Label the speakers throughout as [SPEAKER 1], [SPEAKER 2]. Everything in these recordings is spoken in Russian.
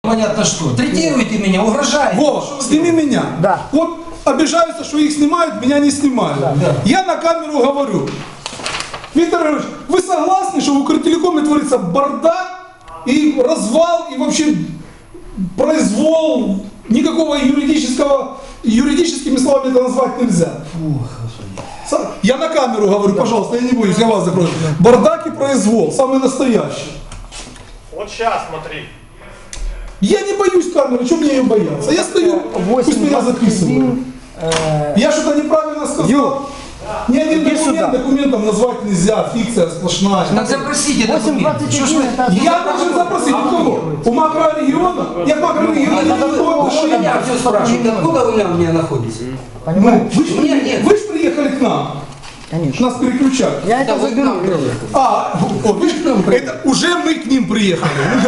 [SPEAKER 1] Понятно что. Третируете меня, угрожаете.
[SPEAKER 2] Вова, сними меня.
[SPEAKER 3] Да.
[SPEAKER 2] Вот обижаются, что их снимают, меня не снимают.
[SPEAKER 3] Да.
[SPEAKER 2] Я на камеру говорю. Виктор Иванович, вы согласны, что в Укртелекоме творится бардак и развал, и вообще произвол, никакого юридическими словами это назвать нельзя. Я на камеру говорю, пожалуйста, я не боюсь, я вас закрою. Бардак и произвол, самый настоящий.
[SPEAKER 4] Вот сейчас смотри.
[SPEAKER 2] Я не боюсь камеры, что мне ее бояться? Я стою, пусть меня записывают. Я что-то неправильно сказал. Ни один документом назвать нельзя, фикция сплошная.
[SPEAKER 1] Так запросите документы. Что ж вы...
[SPEAKER 2] Я должен запросить у кого? У макрорегиона? Я к макрорегиону не имею отношения.
[SPEAKER 1] Я все спрашиваю, откуда вы меня находитесь?
[SPEAKER 3] Понимаете?
[SPEAKER 2] Вы же приехали к нам.
[SPEAKER 3] Конечно.
[SPEAKER 2] Нас переключают.
[SPEAKER 3] Я это
[SPEAKER 1] вы к
[SPEAKER 3] заберу.
[SPEAKER 1] нам приехали.
[SPEAKER 2] Это уже мы к ним приехали.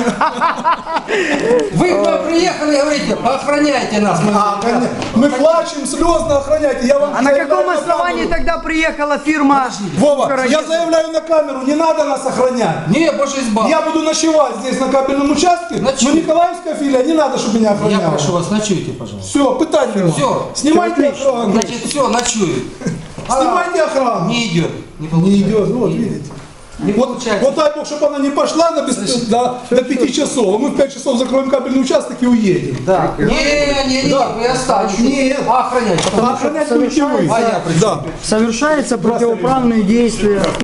[SPEAKER 1] Вы к нам приехали и говорите, охраняйте нас.
[SPEAKER 2] Мы плачем, слезно охраняйте. Я вам
[SPEAKER 3] А на
[SPEAKER 2] заявляю
[SPEAKER 3] каком
[SPEAKER 2] камеру.
[SPEAKER 3] основании тогда приехала фирма?
[SPEAKER 2] Вова, я заявляю на камеру, не надо нас охранять.
[SPEAKER 1] Не, боже избавь.
[SPEAKER 2] Я буду ночевать здесь на кабельном участке, но
[SPEAKER 1] Ночуй.
[SPEAKER 2] Николаевская филия, не надо, чтобы меня
[SPEAKER 1] Я
[SPEAKER 2] охраняли.
[SPEAKER 1] прошу вас, ночуйте, пожалуйста.
[SPEAKER 2] Все, питань нема.
[SPEAKER 1] Всё.
[SPEAKER 2] Снимайте охрану.
[SPEAKER 1] Значит, все, ночуют.
[SPEAKER 2] Снимайте охрану.
[SPEAKER 1] Не идет.
[SPEAKER 2] Не идет, вот видите.
[SPEAKER 1] Не
[SPEAKER 2] Вот,
[SPEAKER 1] получается.
[SPEAKER 2] вот дай бог, чтобы она не пошла до 5 часов, а мы в 5 часов закроем кабельный участок и уедем.
[SPEAKER 3] Да.
[SPEAKER 1] Не, вы останетесь.
[SPEAKER 2] Нет.
[SPEAKER 1] А охранять.
[SPEAKER 2] А охранять будете вы.
[SPEAKER 1] А я при чем?
[SPEAKER 2] Да.
[SPEAKER 3] Совершаются противоправные действия.